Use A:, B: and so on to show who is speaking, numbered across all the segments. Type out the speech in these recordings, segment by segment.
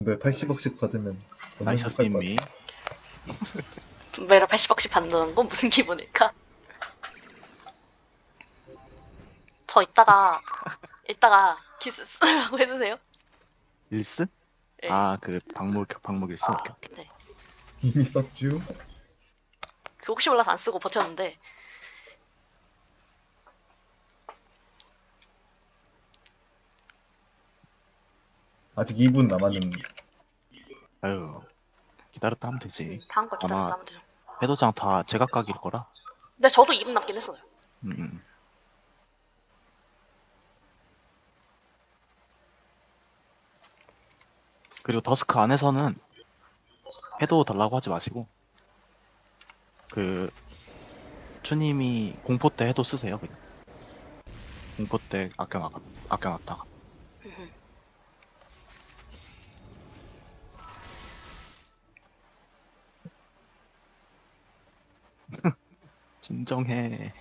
A: 왜 80억씩 받으면 얻는
B: 나이스
A: 것 같을 것
B: 팀이
A: 같아.
C: 매달 80억씩 받는 건 무슨 기분일까? 저 이따가 키스 쓰라고 해주세요.
B: 일스?
C: 네.
B: 아, 그 방목 일스? 오케이, 오케이.
C: 네.
A: 이미 썼쥬?
C: 그 혹시 몰라서 안 쓰고 버텼는데
A: 아직 2분 남았는데.
B: 아유, 기다렸다 하면 되지.
C: 다음 걸
B: 아마
C: 기다렸다 하면 돼요.
B: 해도장 다 제각각일 거라.
C: 근데 저도 2분 남긴 했어요.
B: 음, 음. 그리고 더스크 안에서는 해도 달라고 하지 마시고 그 추님이 공포 때 해도 쓰세요. 그냥 공포 때 아껴놨다가 진정해.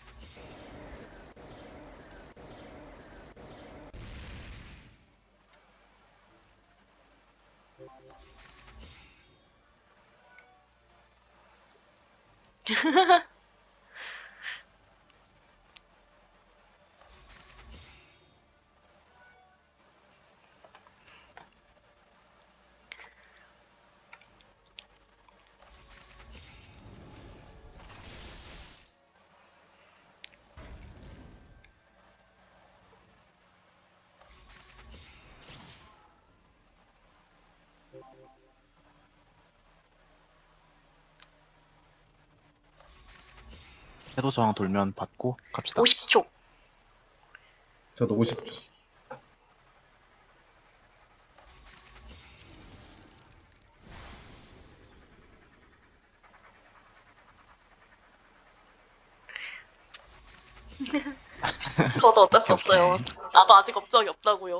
B: 해도 저항 돌면 받고 갑시다.
C: 50초.
A: 저도 50초.
C: 저도 어쩔 수
B: 오케이,
C: 없어요.
B: 오케이.
C: 나도 아직 업적이 없다고요.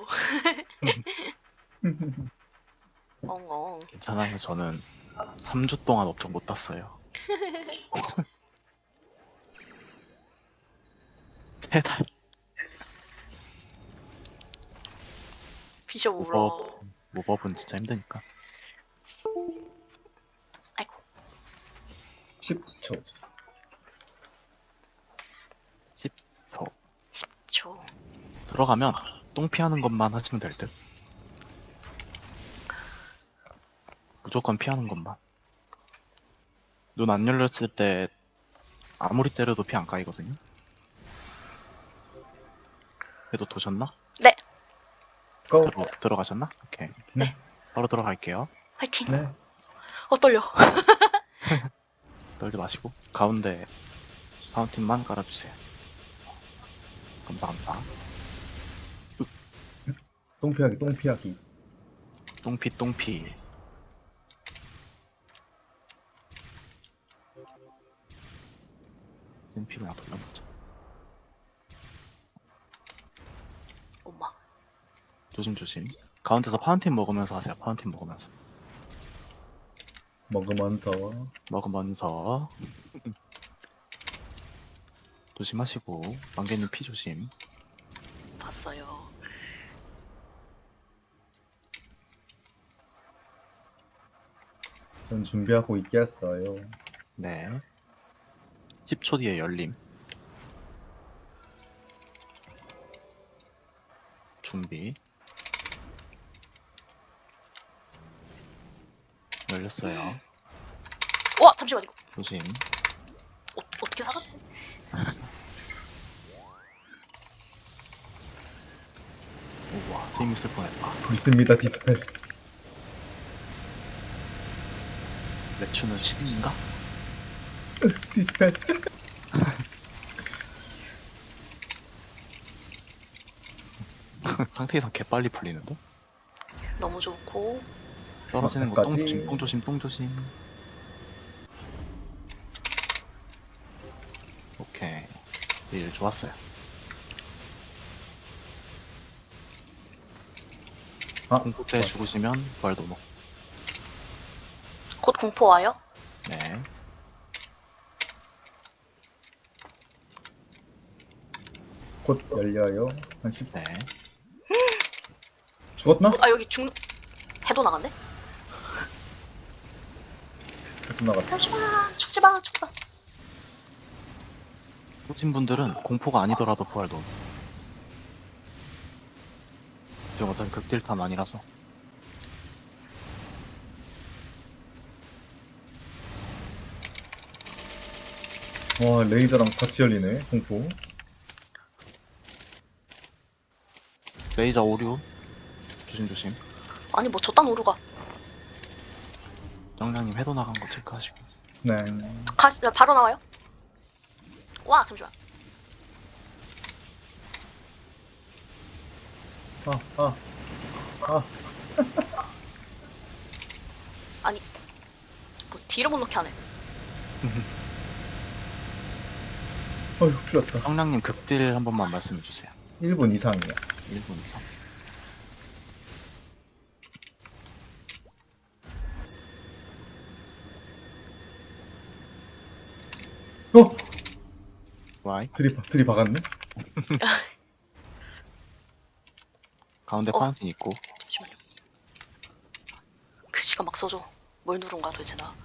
C: 엉엉.
B: 괜찮아요. 저는 3주 동안 업적 못 땄어요. 3달.
C: 비숍 울어.
B: 모법은 진짜 힘드니까.
C: 아이고.
A: 10초.
B: 10초.
C: 초.
B: 들어가면 똥 피하는 것만 하시면 될 듯. 무조건 피하는 것만. 눈 안 열렸을 때 아무리 때려도 피 안 까이거든요. 그래도 도셨나?
C: 네.
A: 고!
B: 들어가셨나? 오케이.
A: 네.
B: 바로 들어갈게요.
C: 화이팅.
A: 네.
C: 떨려.
B: 떨지 마시고 가운데 파운틴만 깔아주세요. 감사.
A: 똥피하기, 똥피하기.
B: 똥피. 똥피를 나 돌려보자.
C: 엄마.
B: 조심. 가운데서 파운틴 먹으면서 하세요. 파운틴 먹으면서 조심하시고 만개님 피 조심.
C: 봤어요.
A: 전 준비하고 있겠어요.
B: 네. 10초 뒤에 열림. 준비. 열렸어요.
C: 와 잠시만 이거
B: 조심.
C: 어떻게 살았지?
B: 우와, 스임 있을 뻔했다.
A: 있습니다, 디스펠.
B: 레추는 신인가?
A: 디스펠.
B: 상태 이상 개빨리 풀리는데?
C: 너무 좋고.
B: 떨어지는 거
A: 막타까지.
B: 똥 조심. 오케이. 일 좋았어요.
A: 아,
B: 공포 때 죽으시면 부활 도목.
C: 곧 공포 와요?
B: 네.
A: 곧 열려요. 한 10.
B: 네.
A: 죽었나?
C: 아 여기 죽 해도 나갔네?
A: 자꾸 나갔다.
C: 잠시만 죽지 마 죽지 마.
B: 오신 분들은 공포가 아니더라도 부활 넣음. 지금 어차피 극딜탐 아니라서.
A: 와, 레이저랑 같이 열리네, 공포.
B: 레이저 오류. 조심조심.
C: 아니 뭐 저딴 오류가.
B: 정량님 해도 나간 거 체크하시고.
A: 네.
C: 바로 나와요? 와 잠시만.
A: 아.
C: 아니 뭐 뒤를 못 넣게 하네.
A: 어휴, 큰일 났다.
B: 정량님 극딜 한 번만 말씀해 주세요.
A: 1분 이상이야.
B: 1분 이상.
A: 어!
B: 와이.
A: 들이박았네?
B: 가운데
C: 어.
B: 파운틴 있고.
C: 잠시만요. 글씨가 막 써져. 뭘 누른 거야 도대체 나.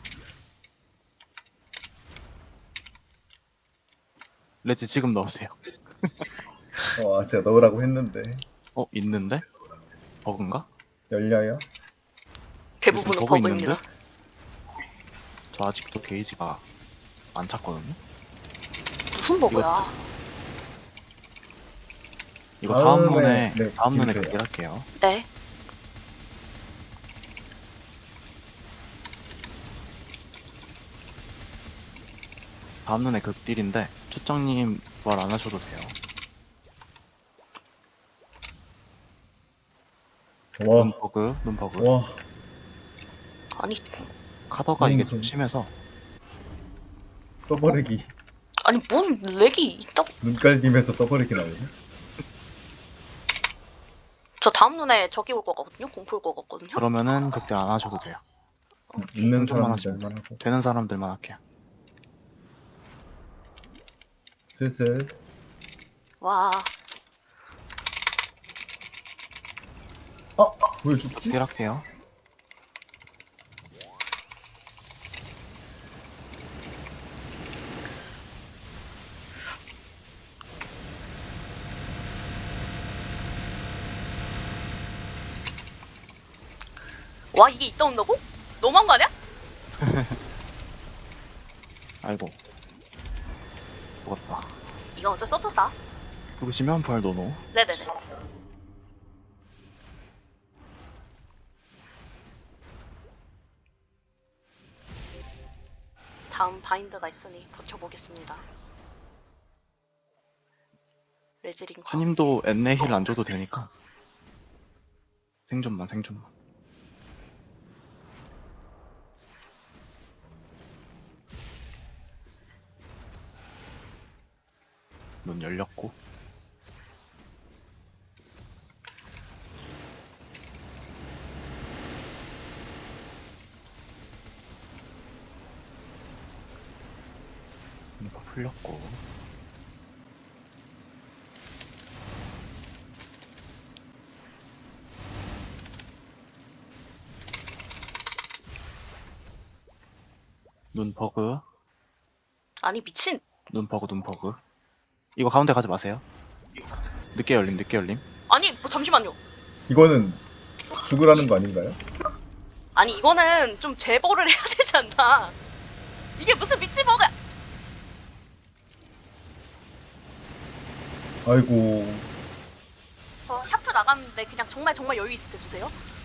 B: 레지 지금 넣으세요.
A: 제가 넣으라고 했는데.
B: 있는데? 버그인가?
A: 열려요?
C: 대부분은
B: 요즘 버그
C: 버그입니다.
B: 있는데? 저 아직도 게이지가 안 찼거든요.
C: 무슨 버그야?
B: 이거 다음
A: 다음에,
B: 론에
A: 네,
B: 다음 론에
A: 기록해요.
B: 극딜 할게요.
C: 네.
B: 다음 론에 극딜인데 추정님 부활 안 하셔도 돼요.
A: 와,
B: 눈 버그.
A: 와.
C: 아니
B: 카더가 이게
A: 무슨-
B: 좀 심해서
A: 써버리기.
C: 아니 뭔 렉이 있다고?
A: 눈깔림에서 써버리기 나오네.
C: 저 다음 눈에 저기 올 거거든요. 공포 올 거거든요.
B: 그러면은 극딜 안 하셔도 돼요.
A: 있는
B: 생존만
A: 사람들만 하고.
B: 되는 사람들만 할게요.
A: 슬슬.
C: 와
A: 왜 죽지?
B: 극딜 할게요.
C: 와 이게 있다 온다고? 너무한 거 아니야?
B: 아이고. 죽었다.
C: 이건 어쩔 수 없었다.
B: 누구시면 부활 노노.
C: 네네네. 다음 바인드가 있으니 버텨보겠습니다. 레즈링
B: 스님도 엔네 힐 안 줘도 되니까. 생존만. 문 열렸고. 이거 풀렸고. 눈 버그.
C: 아니 미친.
B: 눈 버그. 이거 가운데 가지 마세요. 늦게 열림.
C: 아니 뭐 잠시만요.
A: 이거는 죽으라는 거 아닌가요?
C: 아니 이거는 좀 제보를 해야 되지 않나? 이게 무슨 미친 버그야?
A: 아이고.
C: 저 샤프 나갔는데 그냥 정말 여유 있을 때 주세요.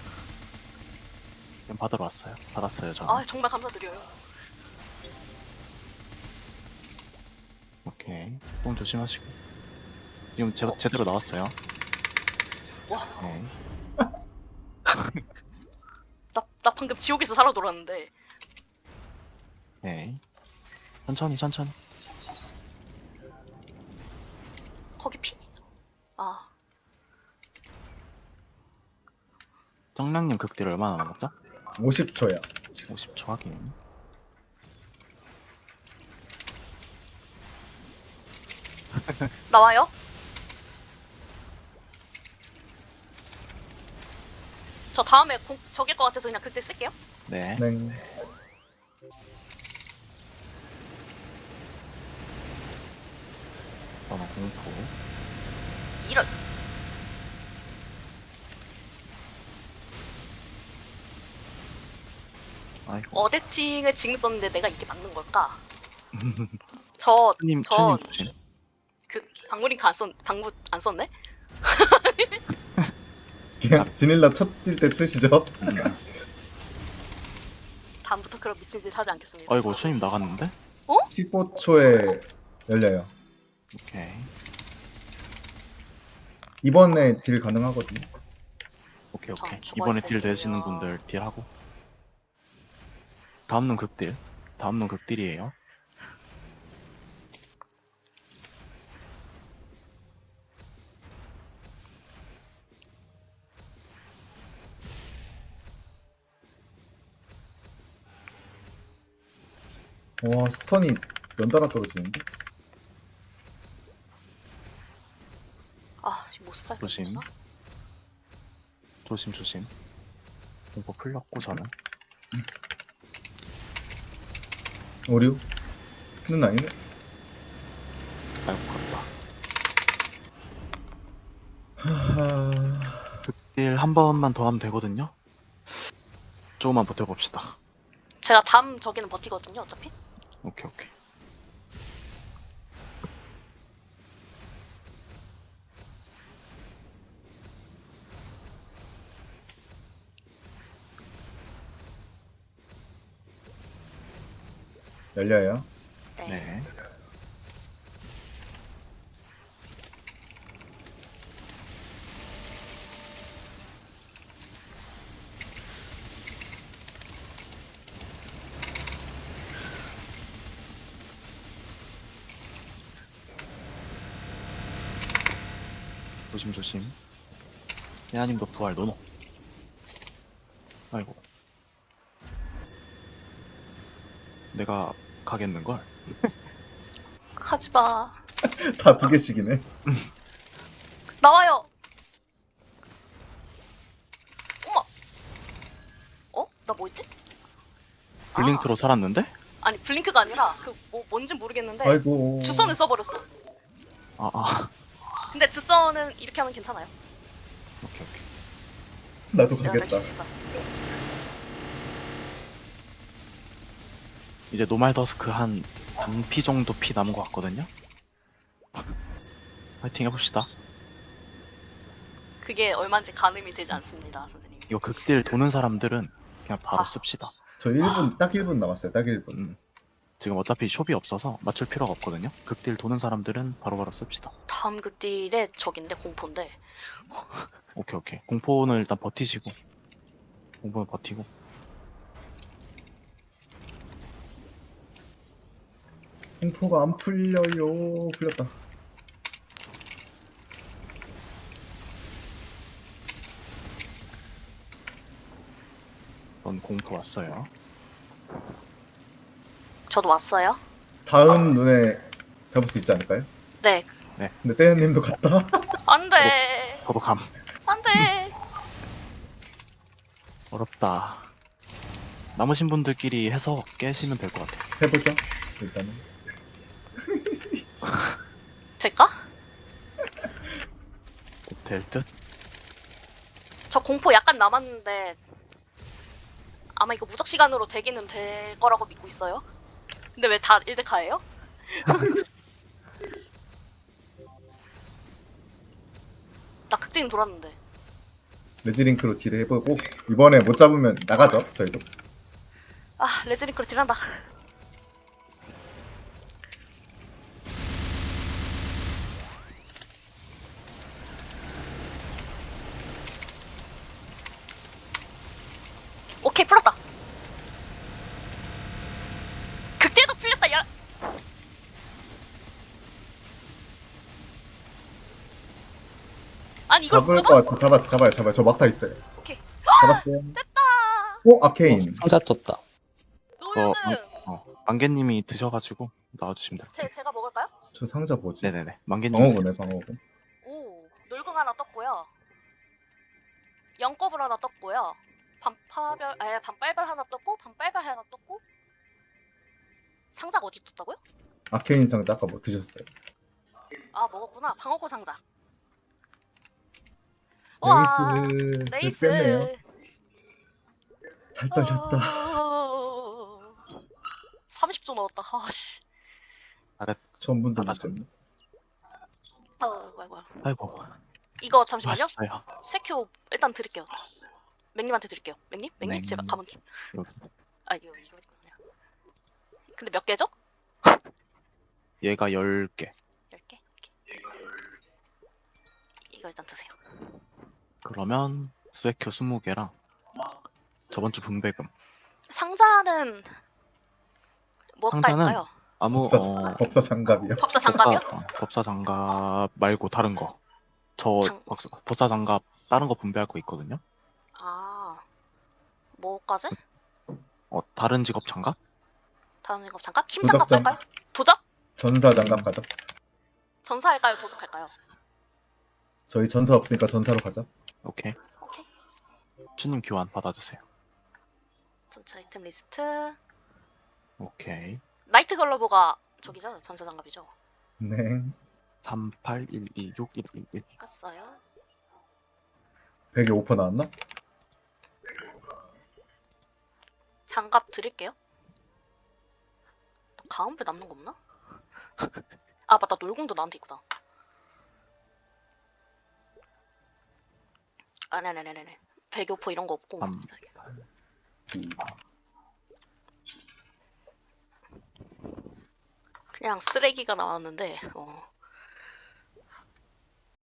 B: 그냥 받으러 왔어요. 받았어요, 저는.
C: 아 정말 감사드려요.
B: 오케이. 똥 조심하시고. 지금 제대로 나왔어요.
C: 와.
B: 네.
C: 나 방금 지옥에서 살아 돌았는데.
B: 네. 천천히.
C: 거기 피? 아
B: 정량님 극딜 얼마나 남았죠?
A: 50초야.
B: 50초 확인.
C: 나와요? 저 다음에 적일 것 같아서 그냥 그때 쓸게요.
B: 네.
A: 네.
B: 저는 공포.
C: 이런.
B: 아이고.
C: 어댑팅을 지금 썼는데 내가 이게 맞는 걸까? 저,
B: 추님
C: 저,
B: 조심.
C: 그, 방울인가 방무 안 썼네?
A: 그냥 지닐라 첫 뛸 때 쓰시죠?
C: 다음부터 그런 미친 짓 하지 않겠습니다.
B: 아이고 추님 나갔는데?
A: 15초에 열려요.
B: 오케이.
A: 이번에 딜 가능하거든요.
B: 오케이.
C: 전 죽어
B: 이번에 딜
C: 있을게요.
B: 되시는 분들 딜하고. 다음은 극딜. 다음은 극딜이에요.
A: 와, 스턴이 연달아 떨어지는데?
C: 아, 못 살.
B: 조심. 조심. 이거 풀렸고 저는.
A: 오류? 는 아니네.
B: 아이고 그렇다.
A: 하하...
B: 극딜 한 번만 더 하면 되거든요. 조금만 버텨봅시다.
C: 제가 다음 저기는 버티거든요, 어차피.
B: 오케이.
A: 열려요.
C: 네.
B: 네. 조심. 예아님도 부활 노노. 아이고. 내가 가겠는걸?
C: 하지 마.
A: 다 두 개씩이네.
C: 나와요. 어머. 어? 나 뭐 있지?
B: 블링크로 살았는데?
C: 아니 블링크가 아니라 그 뭔진 모르겠는데
A: 아이고.
C: 주선을 써버렸어. 근데 주선은 이렇게 하면 괜찮아요.
B: 오케이.
A: 나도
C: 내가
A: 가겠다.
C: 날씨 좋다.
B: 이제 노말더스크 한 반피 정도 피 남은 것 같거든요? 파이팅 해봅시다.
C: 그게 얼마인지 가늠이 되지 않습니다, 선생님.
B: 이거 극딜 도는 사람들은 그냥 바로
C: 아.
B: 씁시다.
A: 저 1분, 딱 1분 남았어요. 딱 1분.
B: 지금 어차피 숍이 없어서 맞출 필요가 없거든요. 극딜 도는 사람들은 바로바로 씁시다.
C: 다음 극딜의 적인데 공포인데.
B: 오케이. 공포는 일단 버티시고. 공포는 버티고.
A: 공포가 안 풀려요. 풀렸다.
B: 넌 공포 왔어요.
C: 저도 왔어요.
A: 다음 눈에 잡을 수 있지 않을까요?
C: 네.
A: 근데 떼연님도 갔다.
C: 안돼.
B: 저도 감.
C: 안돼.
B: 어렵다. 남으신 분들끼리 해서 깨시면 될 것 같아요.
A: 해보죠. 일단은.
C: 될까?
B: 될 듯?
C: 저 공포 약간 남았는데 아마 이거 무적 시간으로 되기는 될 거라고 믿고 있어요. 근데 왜 다 1대카예요? 나 극딜 돌았는데.
A: 레지링크로 딜을 해보고 이번에 못 잡으면 나가죠. 저희도.
C: 아, 레즈링크로 딜한다. 오케이, 풀었다. 극딜도 풀렸다. 야. 아니 이걸 못
A: 잡을
C: 잡아?
A: 것 같아. 잡아요. 저 막타 있어요.
C: 오케이.
A: 잡았어요.
C: 됐다.
A: 오, 아케인.
D: 상자 떴다.
C: 노유는
B: 만개님이 드셔가지고 나와주시면 될 것 같아요.
C: 제가 먹을까요?
A: 저 상자 뭐지?
B: 네네네. 만개님.
A: 방어구네, 방어구.
C: 오, 놀궁 하나 떴고요. 영겁을 하나 떴고요. 반빨별 하나 떴고 반빨별 하나 떴고 상자가 어디 떴다고요?
A: 아케인 상자 아까 뭐 드셨어요?
C: 아 먹었구나. 방어구 상자. 와
A: 레이스
C: 레이스.
A: 뺐네요. 잘 떨렸다.
C: 30초 넣었다. 아씨.
A: 처음 분도
B: 알았어.
A: 못했네.
C: 아이고.
B: 아이고
C: 이거 잠시만요.
B: 맛있어요.
C: 스웨큐 일단 드릴게요. 맥님한테 드릴게요. 맥님? 맥님?
B: 네.
C: 제가 가면 좀.
B: 여기.
C: 아 이거 그냥. 근데 몇 개죠?
B: 얘가 10개.
C: 10개? 이거 일단 드세요.
B: 그러면 스웨큐 20개랑 저번 주 분배금.
C: 상자는 뭐
B: 상자는
C: 깔까요?
B: 아무
A: 법사 장갑이요.
C: 법사 장갑이요?
B: 법사 장갑 말고 다른 거. 저 법사 장갑 다른 거 분배할 거 있거든요.
C: 아 뭐까지?
B: 다른 직업 장갑?
C: 다른 직업 장갑? 힘 장갑
A: 도적
C: 깔까요? 도적?
A: 전사 장갑 가죠.
C: 전사 할까요? 도적 할까요?
A: 저희 전사 없으니까 전사로 가죠.
B: 오케이.
C: 오케이.
B: 주님 교환 받아주세요.
C: 전차 아이템 리스트.
B: 오케이.
C: 나이트 글러브가 저기죠? 전사 장갑이죠?
A: 네.
B: 3812611.
C: 깠어요.
A: 100에 5% 나왔나?
C: 장갑 드릴게요. 가운데 남는 거 없나? 아 맞다 놀공도 나한테 있구나. 아 네네네네. 배교포 이런 거 없고.
B: 381.
C: 그냥 쓰레기가 나왔는데